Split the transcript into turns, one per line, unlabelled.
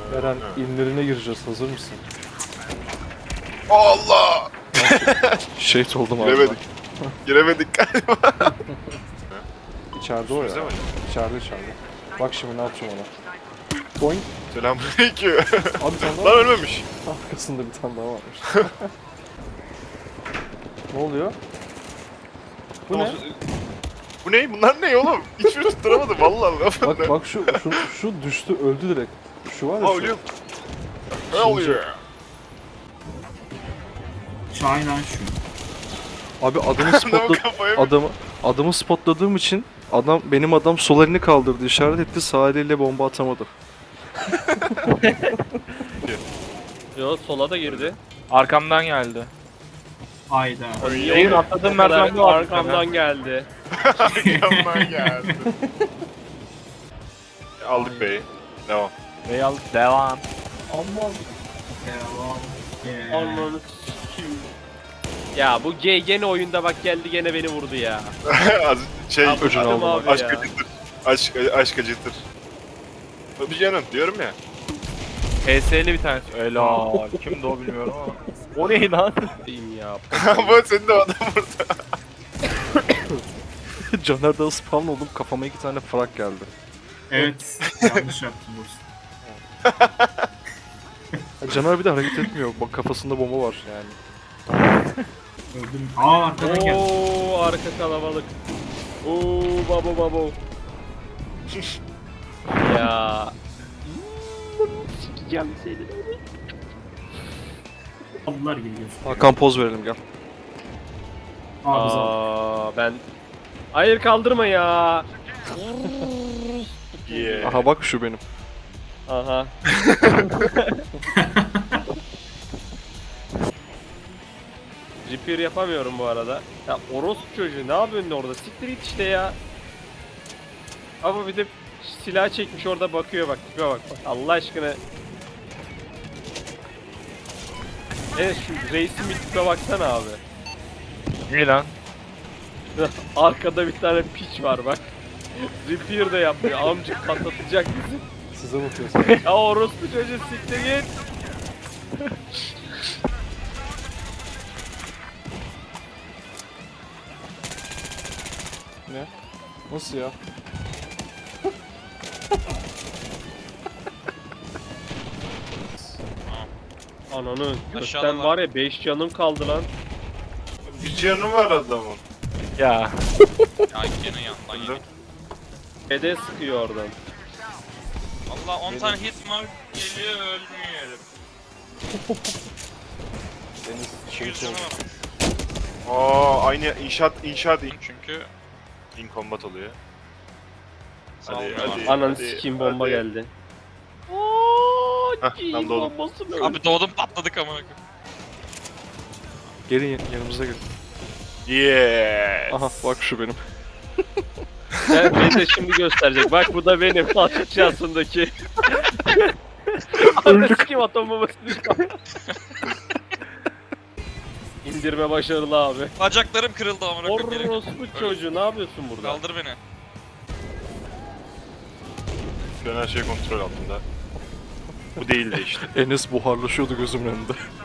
Eren inlerine gireceğiz. Hazır mısın?
Allah!
Şehit oldum abi.
Giremedik. Giremedik galiba.
İçeride o ya.
Üstümüzde mi?
İçeride. Bak şimdi ne yapacağım ona. Boing.
Selamünaleyküm.
Abi sen daha
Lan ölmemiş.
arkasında bir tane daha varmış. Ne oluyor? Bu ne?
Bu ne? Bunlar ne oğlum? Hiçbir tutturamadım vallahi.
Bak şu düştü öldü direkt. Şu var ya
Aa
şu.
ölüyor. Ne
Şimdi-
oluyor?
Şahin lan şu.
Abi adamı
Adamın
spotladım.
kafaya
Adamı spotladığım için benim adam sol elini kaldırdı, işaret etti, sağ eliyle bomba atamadı.
Yo sola da girdi.
Arkamdan geldi.
Hayda.
Şeyin atladığım merdivende var.
Arkamdan geldi.
arkamdan geldi. Aldık bey. Devam.
Bey aldık. Devam.
Devam.
Ananı s**eyim. Ya bu gay gene oyunda bak geldi gene beni vurdu ya.
Az şey
Abi,
öcünü
adam
aldım
abi
aşk
ya.
acıtır. Aşk acıtır. Bir canım diyorum ya.
HS'li bir tanesi. Helal. Kimdi o bilmiyorum ama. O ne lan?
Diyeyim ya.
Bu senin de adam burada.
Caner'de spawn oldum, kafama 2 tane frag geldi.
Evet. Yanlış yaptım Bursa.
Caner bir de hareket etmiyor, bak kafasında bomba var yani.
Öldüm. Aa arkadan geldi.
Oo arka kalabalık. Oo babo. Ya. Sikeceğim seni.
Ablalar geliyor.
Hakan poz verelim gel.
Aa bize bak.
Ben... Hayır kaldırma ya.
Yeah.
Aha bak şu benim.
Aha. Repair yapamıyorum bu arada. Ya orospu çocuğu ne yapıyorsun orada? Siktir git işte ya. Ama bir de silah çekmiş orada bakıyor bak. Tipe bak. Allah aşkına. Evet şu reisin bir tipe baksana abi.
İyi lan.
Arkada bir tane piç var bak. Repair de yapmıyor. Amcık patlatacak bizi.
Size bakıyorsun.
Ya orospu çocuğu siktir git.
Ne? Nasıl ya?
Ananı
Aşağıda
gökten var ya 5 canım kaldı lan.
Bir canı var adamın.
Ya.
Ya gene yandan yedik.
Ede sıkıyor oradan.
Valla 10 tane hit mark geliyor ölmüyor.
Deniz
Şey
şehit oldu.
Aynı inşaat
Çünkü
in combat oluyor. Hadi
salmıyorlar.
hadi.
Ananı sikeyim bomba
hadi.
geldi. Ooo
Hah,
kim
tam doğdum.
bombası mı?
Abi doğdum patladık amına koyayım.
Gelin yanımıza gelin.
Yes.
Aha bak şu benim.
Beni de şimdi gösterecek. Bak bu da benim aşağısındaki. Ananı sikeyim atom bombası düştü. İndirme başarılı abi.
Bacaklarım kırıldı amına koyayım. Gerek yok.
Orospu çocuğu ne yapıyorsun burada?
Kaldır beni.
Şu an her şey kontrol altında. Bu değildi işte.
Enes buharlaşıyordu gözümün önünde.